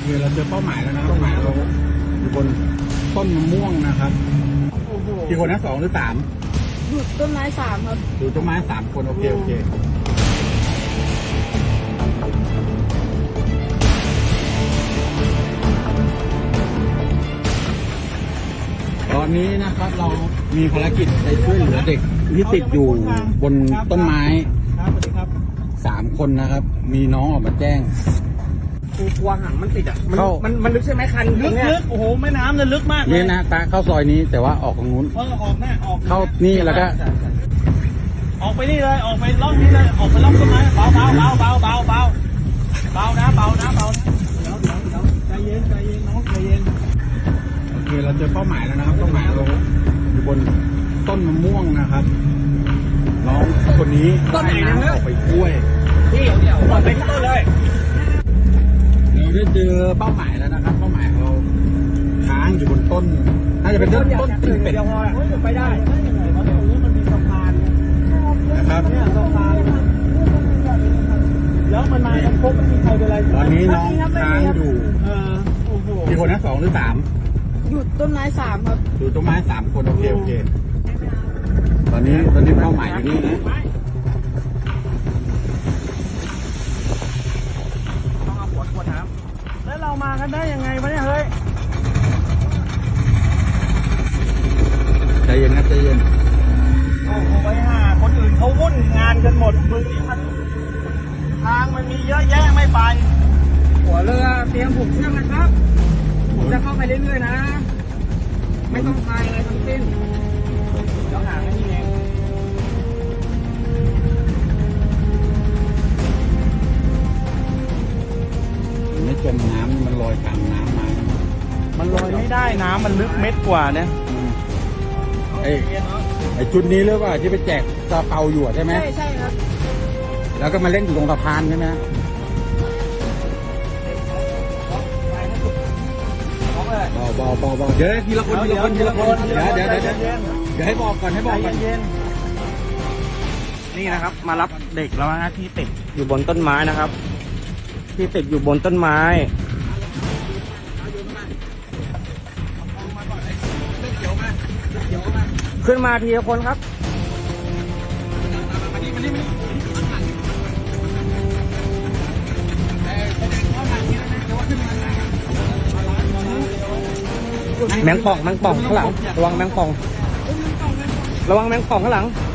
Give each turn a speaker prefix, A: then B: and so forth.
A: เคเราเจอเป้าหมายแล้วนะครับเป้าหมายเราอยู่บนต้นมะม่วงนะครับกี่คนนะ2 หรือ 3
B: อยู่ต้นไม้3ครับ
A: อยู่ต้นไม้3 คนโอเคตอนนี้นะครับเรามีภารกิจไปช่วยเหลือเด็กที่ติดอยู่บนต้นไม้3 คนนะครับมีน้องออกมาแจ้ง
C: กลัวหางมันติดอ่ะมันลึกใช่ไหมคัน
D: ลึกโอ้โหแม่น้ำเนี่ยลึกมากเลย
A: นี่นะตาเข้าซอยนี้แต่ว่าออกตรงนู้น
D: ออกแน่ออก
A: เข้านี่แล้วก็
D: ออกไปนี่เลยออกไปล่องนี้เลยออกไปล่องต้นไม้เบานะเบานะเดี๋ยวใจเย็นน้องใจเย็น
A: โอเคเราเจอเป้าหมายแล้วนะครับเป้าหมายเราอยู่บนต้นมะม่วงนะครับน้องคนนี้ว่ายน้ำออกไปช่วย
C: พี่เดี๋ยวปล่อยไปที่ต้นเลย
A: เราได้เจอเป้าหมายแล้วนะครับเป้าหมายเราค้างอยู่บนต้นน่าจะเป็นต้นตีนเป็ด
C: เดี๋ยวไปได้
D: เพราะตรงนี้มันมีสะพาน
A: นะครับ
D: เนี่ยสะพานแล้วมันมากันครบไม่มีใครเป็นไร
A: ตอนนี้น้องค้างอยู่
D: โอ้โห
A: กี่คนนะ2 หรือ 3
B: อยู่ต้นไม้3ครับ
A: อยู่ต้นไม้3 คนโอเคตอนนี้เป้าหมายอยู่นี่นะ
D: ต้องเอาขวดน้ำแล้วเรามากันได้ยังไงวะเนี่ยเฮ้ย
A: ใจเย็นนะใจเย็น
D: โอ้โหไปหาคนอื่นเขาวุ่นงานกันหมดมึงนี่มันทางมันมีเยอะแยะไม่ไป
C: หัวเรือเตรียมผูกเชือกนะครับผมจะเข้าไปเรื่อยๆนะไม่ต้องพายอะไรทั้งสิ้นเดี๋ยวหางนี่เอง
A: ไม่จมน้ำมันลอยกลางน้ำมา
D: มันลอยไม่ได้น้ำมันลึกเม็ดกว่าเนี่ย
A: ไอ้ชุดนี้หรือว่าที่ไปแจกซาเปาอยู่ใช่ไหม
B: ใช่ครับ
A: แล้วก็มาเล่นอยู่ตรงสะพานใช่ไหมเบาเดี๋ยวทีละคนเดี๋ยวให้บอกก่อน
C: นี่นะครับมารับเด็กแล้วนะที่ติดอยู่บนต้นไม้นะครับที่ติดอยู่บนต้นไม้ขึ้นมาทีละคนครับแมงป่องข้างหลังระวังแมงป่องข้างหลัง